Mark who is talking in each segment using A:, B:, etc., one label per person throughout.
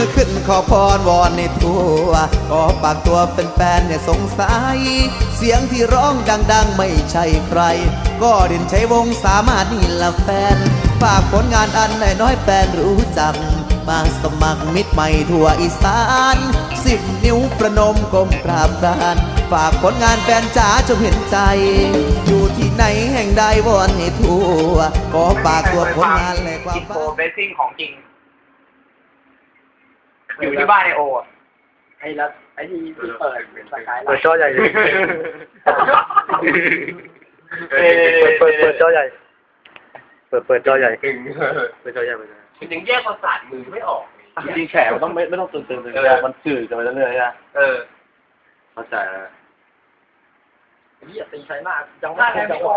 A: อขึ้นขอพรวอนในทั่วขอฝากตัวเป็นแฟนอย่าสงสัยเสียงที่ร้องดังๆไม่ใช่ใครก็เด่นชัยวงศ์สามารถนี่ละแฟนฝากผลงานอันน้อยๆแฟนรู้จักมาสมัครมิตรใหม่ทั่วอีสาน10 นิ้วประนมก้มกราบกรานฝากผลงานแฟนจ๋าจงเห็นใจอยู่ที่ไหนแห่งใดวอนให้ทั่วขอฝากตัวผลงานและความ
B: อินโฟเบสซิ่งของจริงอยู่ที่บ้านไอโอไอ้ละไอ้ที่เปิดสกายไลน์
C: เปิดจอใหญ่เลยเปิดจอใหญ่เปิดจอใหญ่เปิดจอใหญ่
B: มันยังแยกประสาทมือไม่ออก
C: จริงๆแฉมันต้องไม่ต้องตื่นมันสื่อกันไปเรื่อยๆนะเข้าใจแล้ว
B: นี่อย่าตีใครมากจังหวะจังหวะ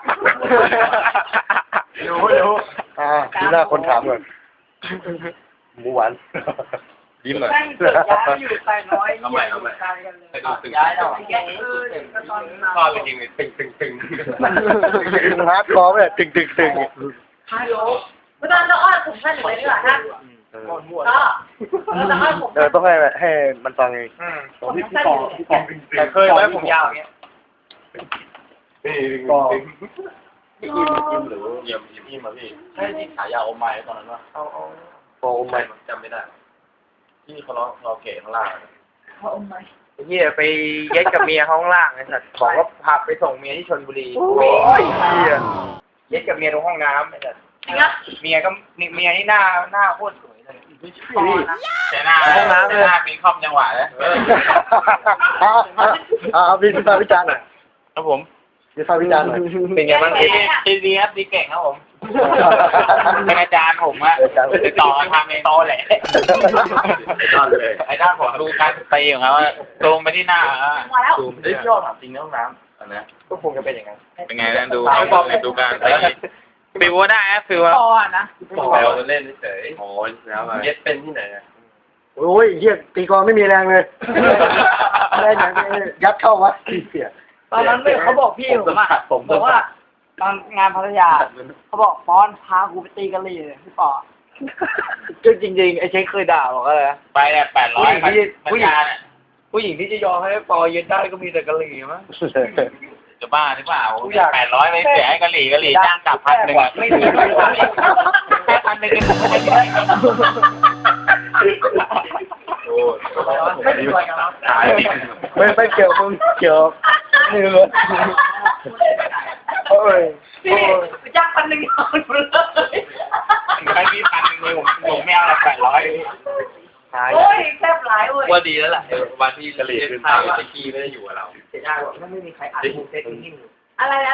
B: รู้
C: ดูหน้าคนถามก่อนหมูหวานยิ้มหน่อย
B: อยู่ใส่น้อยเอาใหม่ย้ายแล้วชอบจริงๆตึง
C: ฮาร์ดคอร์เนี่ยตึง
D: ฮัลโหลไม่ต้องอ้อนผมท่านอยู่เลยดีกว่าท่านก็
C: ต้องให้มันฟังเอง
D: พี่ปอ
B: แต่เคยไว้ผมยาวอย่างเงี้ย
C: ก็
B: พี่กิมหรือเยี่ยมมาพี่ใช่ที่ขายาอมไม้ตอนนั้นวะ
C: พอไม่
B: จำไม่ได้ที่เขาเราเก๋ข้างล่าง
D: เขาอมไหม
B: เหี้ยไปเย็ดกับเมียข้างล่างไอ้สัตว์บอกว่าพาไปส่งเมียที่ชลบุรีเย็ดกับเมียตรงห้องน้ำไอ้สัตว์เมียนี่หน้าโคตรสวยเลยแต่หน้าห้องน้ำหน้าปีคอมจังหวะเลย
C: พี่วิจารณ์หน่อย
B: ครับผม
C: พี่วิจารณ์หน่อย
B: เป็นไงบ้างดีครับดีเก่งครับผมเป็นอาจารย์ผมอะติดต่อทางในโตแหละไอ้ด้านผมดูการตีของเขาตรงไปที่หน้าดูไม่ชอบถามจริงในห้องน้ำอันนี้ก็คงจะเป็นอย่างนั้นเป็นไงนะดูการฟิวได้นะฟิวว่านะเราเล่นเฉยโอ้ยแล้วเย็ดเป็นที่ไหน
C: โอ้ยเหี้ยตีกองไม่มีแรงเลยแรงอย่างยัดเข้าวะเสีย
D: ตอนนั้นเขาบอกพี่ผมอ่ะบอกว่าตอนงานพัทยาเขาบอกป้อนพากูไปตีกะหรี่พี่ปอ
C: ก็จริงๆไอ้เช็คเคยด่าบอกอะไร
B: ไปเนี่ย800ผู้หญิงที่จะยอมให้ปอเย็นได้ก็มีแต่กะหรี่มั้งจะบ้าหรือเปล่า800ไปเสียให้กะหรี่จ้างกลับ1,000อ่ะไม่มีแค่1,000
C: ไม่เกี่ยวมึงเกี่ยวนี่เลยโอ้ย
D: จ้าง1,000เอาเลย
B: ไม่มี1,000ผมไม่เอาละ800
D: โอ้ยแซ่บหลายเว้ย
B: ว่าดีแล้วแหละวันที่กะหรี่คือทางตะกี้ไม่ได้อยู่กับเรา
D: เสียดายว่าไม่มีใครอัดมูเซ็ตนิ่งอะไรแล้ว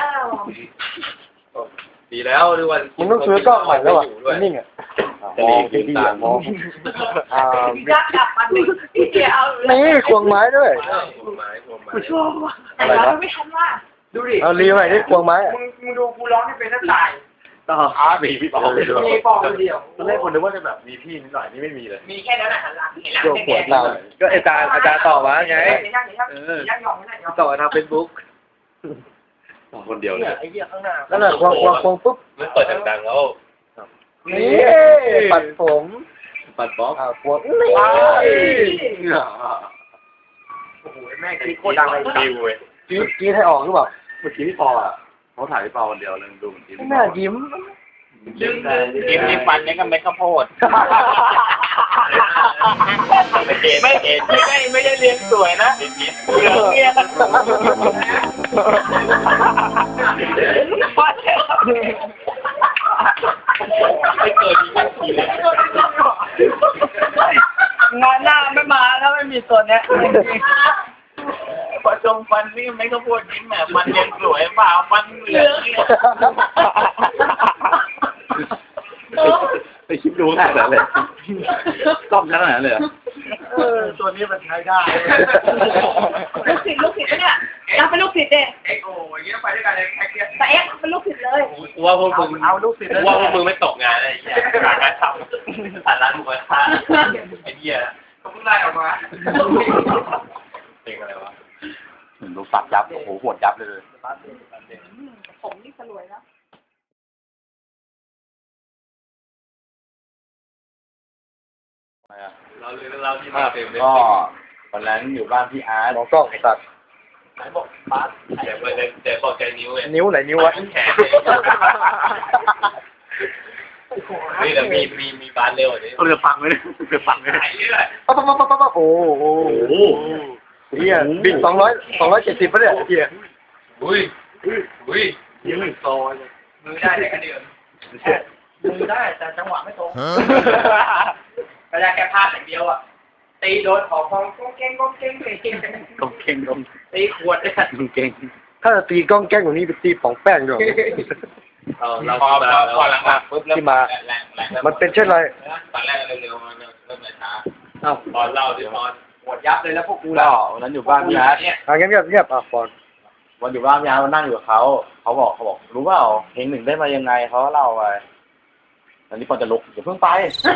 B: ดีแล้วด้วยวัน
C: มึงต้องซื้อกล้องใหม่แล้วอ่ะนิ่งอ่ะมองดีๆมอง
D: ยักษ์กลับมาดิพี่เอา
C: นี่ควงไม้ด้วย
D: กูชอบว่ะแต่เราไม่ทันว่า
B: ดูดิ
C: เอาลีใหม่นี่ควงไม้
B: มึงดูกูร้องที่เป็นนักตาย
C: ต่อ
B: มีพี่ปอมีปอคนเดียว
C: ตอนแรกคนนึกว่าจะแบบมีพี่นิดหน่อยนี่ไม่มีเลย
B: มีแค่นั้นแหละหันหลังเห็นหลัง
C: แค่ก็อาจารย์ต่อมาไงต่อทางเฟซบุ๊ก
B: คนเดียวเลย
D: ไอ้เหี้ยข้างหน้า
C: นั่นแหละควงปุ๊บ
B: มันเปิดดังๆแล้ว
C: นี่ปัดผม
B: ปัดบ๊อบ
C: ควง
B: โอ้โหแม่คิดโคตรดังเลยดิวเว้ย
C: กี้ให้ออกหรือเปล่า
B: เมื่อกี้พี่ปออ่ะเขาถ่ายพี่ปอคนเดียวเลยดูเหมือนที่
C: น่ายิ้ม
B: ยิ้มฟันนี่ก็เม็ดข้าวโพดไม่ได้เรียนสวยนะเหลืองเนี่ยไม่เกิดอีกเลย
D: งานหน้าไม่มาถ้าไม่มีตัวเนี้ย
B: พอจงฟันนี่ไม่ก็พูดยิ้มแบบมันเรียนสวยเปล่ามันเหลือง
C: ไปคิดดูขนาดนั้นเลยต้องขนาดนั้นเลย
B: ตัวนี้มันใช้ได้
D: ลูกศิษย์เนี่ยยังเป็นลูกศิษย์เด็ก
B: โอ้ยเงี้ยไปด้วยกันเลย
D: แต่เป็นลูกศิษย์เลย
B: ว่าพวกมึงเอาลูกศิษย์ว่าพวกมึงไม่ตกงานอะไรอย่างเงี้ยหางานทำผ่านร้านหมูกระทะไอ้เหี้ยเขาเพิ่งไล่ออกมาเป็นอะไรวะ
C: ดูสับยับโอ้โหหวดยับเลย
D: ผมนี่สลวยแล้ว
B: เราที่มาเต็มเลย
E: ก็วันนั้นอยู่บ้านพี่อาร์ต
C: มองกล้องตัด
B: ไหนบอกปาร์ตเดี๋ยวไปเลยเดี๋ยวบอกใจนิ้วเลย
C: นิ้วไหนนิ้ววะ
B: แขนเลยนี่เดี๋ยวมีบาสเร็วอ่ะดิ
C: เรือฟังไหมเนี่ยเรือฟังไหม
B: ไหนเรื่อย
C: ปั๊บโอ้โหเฮียบิน270ปะเนี่ยเฮีย
B: อุ้ยยังไม่โตเลยมือได้แต่กระเดื่อง
D: มือได้แต่จังหวะไม่ตรงก็ได้แค่พลาดอย่างเดียวอ่ะตีโดนของก้องเก้งตีขวดเลย
C: ถ้าจะตีกล้องแกล้งกว่านี้ไปตีป๋องแป้งด้วย
B: เราพอหลังปุ๊บแล้วแรง
C: มันเป็นเช่นไร
B: ตอนแรกเร็วๆมันเริ่มช้า
C: อ้าว
B: ตอนเล่าดิตอน
D: หมดยับเลยแล้วพวกกู
E: ก็วันนั้นอยู่บ้านพี่อาร์ต
B: เนี่ย
C: เงียบฟอน
E: วันอยู่บ้านพี่อาร์ตนั่งอยู่กับเขาบอกรู้เปล่าเพลงหนึ่งได้มายังไงเขาเล่าไปตอนนี้ปอนจะลุกอย่าเพิ่งไป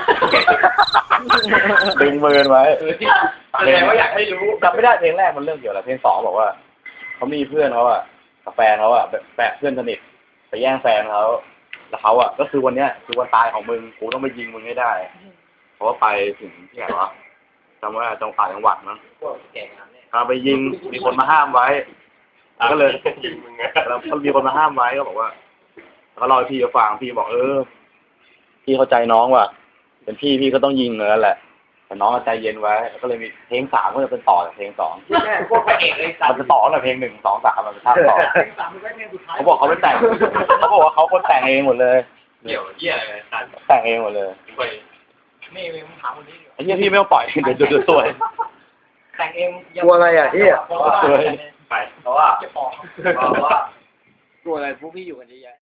E: ดึงมือไว้
B: แสดงว่าอยากให้รู้
E: จำไม่ได้เพลงแรกมันเรื่องเกี่ยวอะไรเพลงสองบอกว่าเขามีเพื่อนเขาอะกับแฟนเขาอะแบบเพื่อนสนิทไปแย่งแฟนเขาแล้วเขาอะก็คือวันเนี้ยคือวันตายของมึงกูต้องไปยิงมึงให้ได้เพราะว่าไปถึงที่ไหนวะจำว่าจังหวัดมั้งพาไปยิงมีคนมาห้ามไว้ก็เลยแล้วมีคนมาห้ามไว้ก็บอกว่าเขาเล่าให้พี่ฟังพี่บอกพี่เข้าใจน้องว่ะเป็นพี่ก็ต้องยิงเลยแหละแต่น้องใจเย็นไว้ก็เลยมีเพลงสามก็จะเป็นต่อจากเพลงสอง
D: พวกพระเอกเลยสัต
E: มัน
D: ว์
E: จะต่อจากเพลง1 2 3มันจะท่าต่อ
D: สามมันก็เพลงสุดท้าย
E: เขาบอกเขาไม่แต่งเขาบอกว่าเขาคนแต่งเองหมดเลย
B: เกี่ยวเยี่ยอะไรสัน
E: แต่งเองหมดเลย
B: ไป
D: นี่มึงถามคนนี้
E: ไอ้เหี้ยพี่ไม่ต้องปล่อยเดี๋ยวสวย
D: แต่งเอง
C: กลัวอะไรอ่ะเฮีย
B: ไปเพราะว่า
D: จะฟ้อง
B: เพราะว่า
D: ตัวอะไรพวกพี่อยู่กันเยอะแยะ